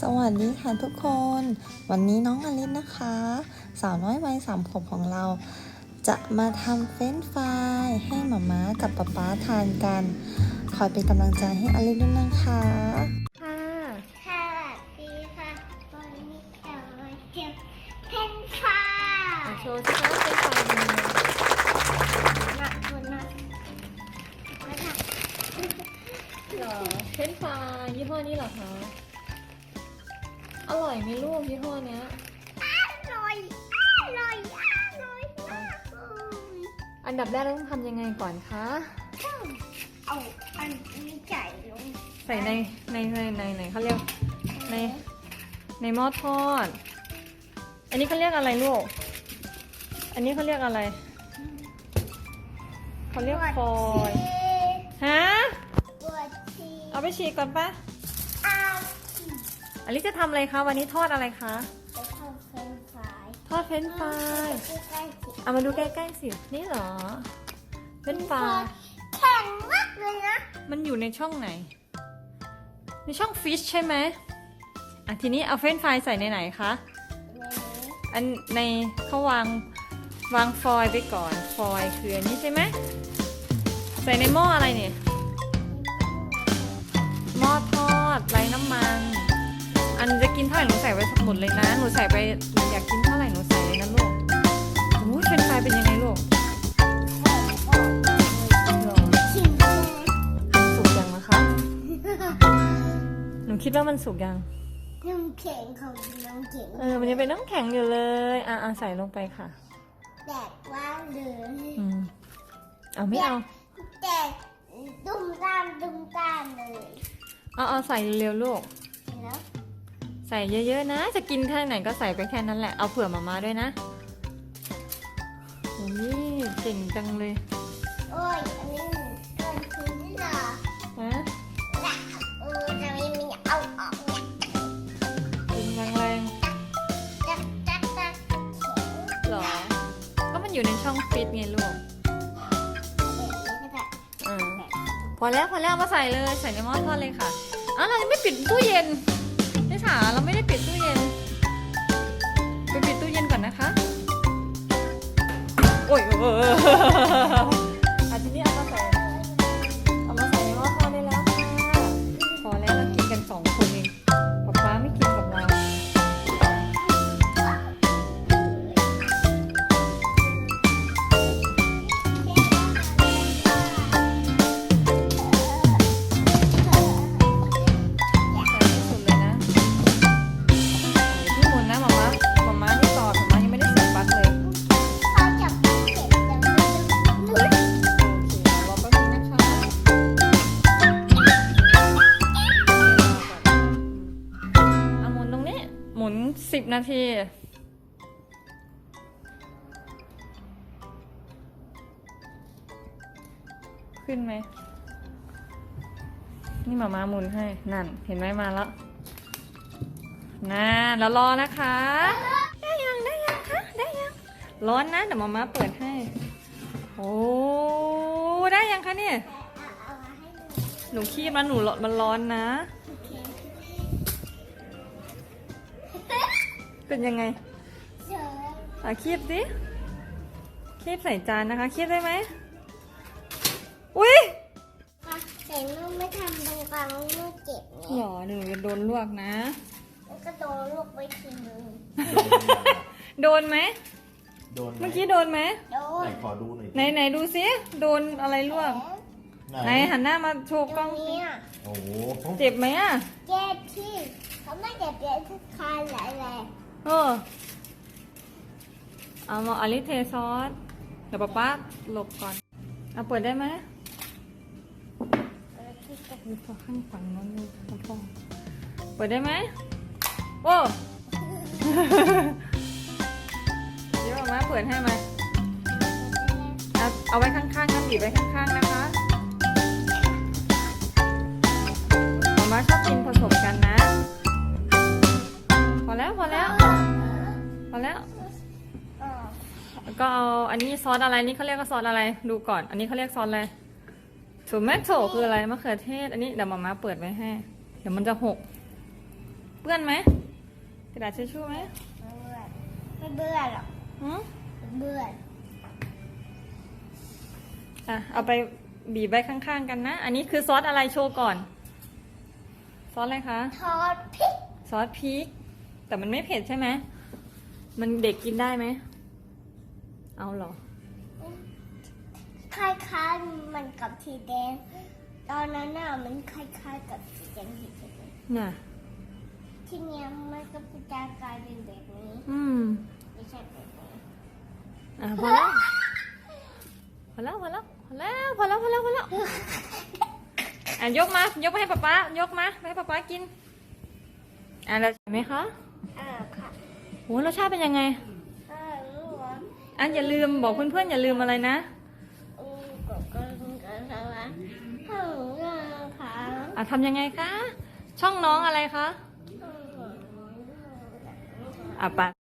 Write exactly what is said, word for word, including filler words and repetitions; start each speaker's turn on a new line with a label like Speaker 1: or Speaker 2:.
Speaker 1: วัสดีค่ะทุกคนวันนี้น้องอลิสนะคะ สาวน้อยวัยสามขวบของเรา จะมาทำเฟรนช์ฟรายให้หม่าม้ากับป๊าป๊าทานกัน คอยเป็นกำลังใจให้อลิสด้วยนะคะ
Speaker 2: ค่ะ
Speaker 3: สวัสดีค่ะวันนี้เรามาเก็บเพนฟ้า
Speaker 2: โชว์สิคะเป็นฟรายเป็นยังไง
Speaker 3: หนักคนนะมาท
Speaker 2: เหรอเป็นฟรายยี่ห้อนี้เหรอคะอร่อยไหมลูกยี่ห้อเนี้ย
Speaker 3: ำอร่อยอร่อยอร่อยมากเลย
Speaker 2: อันดับแรกเราต้องทำยังไงก่อนคะ
Speaker 3: เอาอันนี้ใส่ลง
Speaker 2: ใส่ในในในในในเขาเรียกในในหม้อทอด อันนี้เขาเรียกอะไรลูกอันนี้เขาเรียกอะไรเขาเรียกฟอยล์ฮะ
Speaker 3: ปวดชี
Speaker 2: เอาไปฉีกก่อนปะ
Speaker 3: อา
Speaker 2: อลิซจะทำอะไรคะวันนี้ทอดอะไรคะ
Speaker 3: จะทำเพนฟ้า
Speaker 2: ทอดเฟรนช์ฟราย
Speaker 3: ใกล้ๆสิ
Speaker 2: เอามาดูใกล้ๆสินี่เหรอเฟรนช์ฟราย
Speaker 3: แข็งมากเลยนะ
Speaker 2: มันอยู่ในช่องไหนในช่องฟิชใช่ไหมอ่ะทีนี้เอาเฟรนช์ฟรายใส่ในไหนคะอันในเขาวางวางฟอยล์ไปก่อนฟอยล์คืออันนี้ใช่ไหมใส่ในหม้ออะไรเนี่ยหม้อทอดไร้น้ำมันอันจะกินเท่าไหร่หนูใส่ไว้หมดเลยนะหนูใส่ไปอยากกินเท่าไหร่หนูใส่เลยนะลูกโอ้ยเฟรนช์ฟรายเป็นยังไงลูกหรอ
Speaker 3: ชิมเลย
Speaker 2: สุกยังนะคะหนูคิดว่ามันสุกยัง
Speaker 3: น้ำแข็งของน้ำแข็ง
Speaker 2: เออมันยังเป็นน้ำแข็งอยู่เลยอ่ะอ่ะใส่ลงไปค่ะ
Speaker 3: แดดว่าเลย
Speaker 2: อืมเอาไม่เอา
Speaker 3: แดดดุมตามดุมตามเลย
Speaker 2: เอาเอาใส่เร็วๆลูก
Speaker 3: เห็นแล้ว
Speaker 2: ใส่เยอะๆนะ จะกินแค่ไหนก็ใส่ไปแค่นั้นแหละ เอาเผื่อมาม่าด้วยนะโอ้ยเก่งจังเลย
Speaker 3: โอ้ยอันนี้เกินคืนนี่เหรอ
Speaker 2: ฮะ
Speaker 3: ละเออจะไม่มีเอาออกเนี่ย
Speaker 2: กินแรง
Speaker 3: จักจักจักเขียว
Speaker 2: ๆหรอ ก็มันอยู่ในช่องฟิตไงลูก
Speaker 3: แบบนี้ก็ได้
Speaker 2: อ่าพอแล้วพอแล้วเอามาใส่เลยใส่ในหม้อทอดเลยค่ะอ้าวเรายังไม่ปิดตู้เย็นนี่ค่ะเราไม่ได้ปิดตู้เย็นไปปิดตู้เย็นก่อนนะคะโอ้ยเอออาทีนี้เอามาใส่เอามาใส่ในหม้อทอดได้แล้วค่ะพอแล้วเรากินกันสองคนเองป๊าป๊าไม่กินกับเราใส่ให้สุดเลยนะที่หมุนนะหมาม้าหมาม้าที่ต่อหมาม้ายังไม่ได้เสียบปลั๊กเลย
Speaker 3: เขาจับเข็มจังเลย
Speaker 2: โอเครอแป๊บนึงนะคะเอาหมุนตรงนี้ หมุนสิบนาที ขึ้นไหม นี่หมามาหมุนให้ นั่น เห็นไหมมาแล้วน่าแล้วรอนะคะ ได้ยังได้ยังคะได้ยัง ร้อนนะเดี๋ยวหมามาเปิดให้ โอ้ได้ยังคะเนี่ย
Speaker 3: เอามาให้ดู
Speaker 2: หนูคีบมันหนูมันร้อนนะ
Speaker 3: โอเค
Speaker 2: เป็นยังไง
Speaker 3: เจอ
Speaker 2: อ่ะคีบสิคีบใส่จานนะคะคีบได้ไหมอุ้ย
Speaker 3: ค่ะแต่ลูกไม่ทำตรงกลางลูกเจ็บ
Speaker 2: หร
Speaker 3: เนี่ย
Speaker 2: อหนูจะโดนลวกนะ
Speaker 3: แล้วก็โดนลูกไปทีนึง
Speaker 2: โดนไหม
Speaker 4: โดนไหม
Speaker 2: เมื่อกี้โดนไหม
Speaker 3: โด
Speaker 4: ไหน
Speaker 3: น
Speaker 4: ขอดูหน่อย
Speaker 2: ไหนไหนดูซิโดนอะไรลวกไหนหันหน้ามาโชว์
Speaker 3: ต
Speaker 2: ก
Speaker 3: ร
Speaker 2: ล้อง
Speaker 3: ง
Speaker 2: สิ
Speaker 3: นี้
Speaker 4: โอ้โห
Speaker 2: เจ็บไหมอ่ะ
Speaker 3: เจ็บที่เขาไม่เจ็บเจ็บที่คานหลายแรง
Speaker 2: เออเอามาอลิเทซอสเดี๋ยวป๊าป๊าหลบก่อนเอาเปิดได้ไหมหรือพอข้างฝั่งนั้นเลยพ่อเปิดได้ไหมโอ้ เดี๋ยวมาเปิดให้มาเอาเอาไว้ข้างๆนะบีบไว้ข้างๆนะคะมาม่าชอบกินผสมกันนะ พอแล้วพอแล้วพอแล้ว
Speaker 3: อ๋อ
Speaker 2: แล้วก็เอาอันนี้ซอสอะไรนี่เขาเรียกว่าซอสอะไรดูก่อน อันนี้เขาเรียกซอสอะไรโทมัโตคืออะไรมะเขือเทศอันนี้เดี๋ยวมาม่าเปิดไว้ให้ เดี๋ยวมันจะหกเปื้อนไหมกระดาษทิชชู่ไหม
Speaker 3: ไม่เบื่อไม่เบื่อหรอก
Speaker 2: หืม
Speaker 3: ไม่เบื่อ
Speaker 2: อ่ะเอาไปบีบไว้ข้างๆกันนะ อันนี้คือซอสอะไรโชว์ก่อน ซอสอะไรคะ
Speaker 3: ทอดพริก
Speaker 2: ซอสพริก แต่มันไม่เผ็ดใช่ไหม มันเด็กกินได้ไหม เอาเหรอ
Speaker 3: คล้ายๆมันกับสีแดง ตอนนั้นน่ะมันคล้ายๆกับสีแดงสีแดง
Speaker 2: น่ะ
Speaker 3: ทีเนี้ยมันก็จะกลายเป็นแบบนี้
Speaker 2: อืม
Speaker 3: ไม่ใช่แบบนี้
Speaker 2: อ่ะพอแล้ว พอแล้ว พอแล้ว พอแล้ว พอแล้ว พอแล้ว พอแล้ว อ่ะยกมา ยกมาให้ป๊าป๊ายกมาให้ป๊าป๊ากิน อ่ะแล้วใช่ไหมคะ
Speaker 3: อ่าค่ะ
Speaker 2: โหรสชาติเป็นยังไง
Speaker 3: อ่ารู้ว่า
Speaker 2: อ่ะอย่าลืมบอกเพื่อนๆอย่าลืมอะไรนะ
Speaker 3: อืมก็ก็ก็สวัสดีค่ะ
Speaker 2: อ่ะทำยังไงคะ ช่องน้องอะไรคะ
Speaker 3: อืม
Speaker 2: อ่ะปะ